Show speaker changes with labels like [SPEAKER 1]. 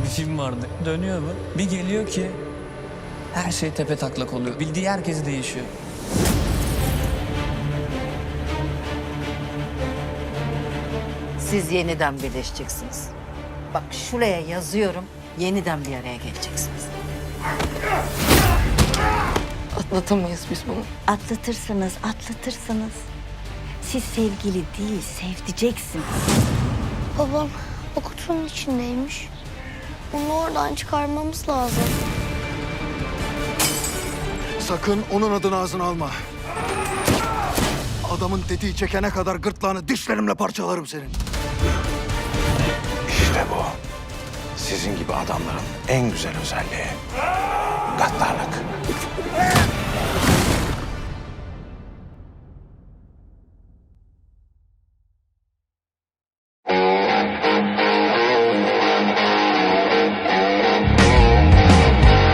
[SPEAKER 1] bir film vardı. Dönüyor bu. Bir geliyor ki her şey tepe taklak oluyor. Bildiği herkes değişiyor.
[SPEAKER 2] Siz yeniden birleşeceksiniz. Bak şuraya yazıyorum. Yeniden bir araya geleceksiniz.
[SPEAKER 3] Atlatamayız biz bunu.
[SPEAKER 4] Atlatırsınız. Siz sevgili değil, sevdiceksin.
[SPEAKER 5] Babam o kutunun içindeymiş. Onu oradan çıkarmamız lazım.
[SPEAKER 6] Sakın onun adını ağzına alma. Adamın tetiği çekene kadar gırtlağını dişlerimle parçalarım senin.
[SPEAKER 7] İşte bu. Sizin gibi adamların en güzel özelliği. Gaddarlık.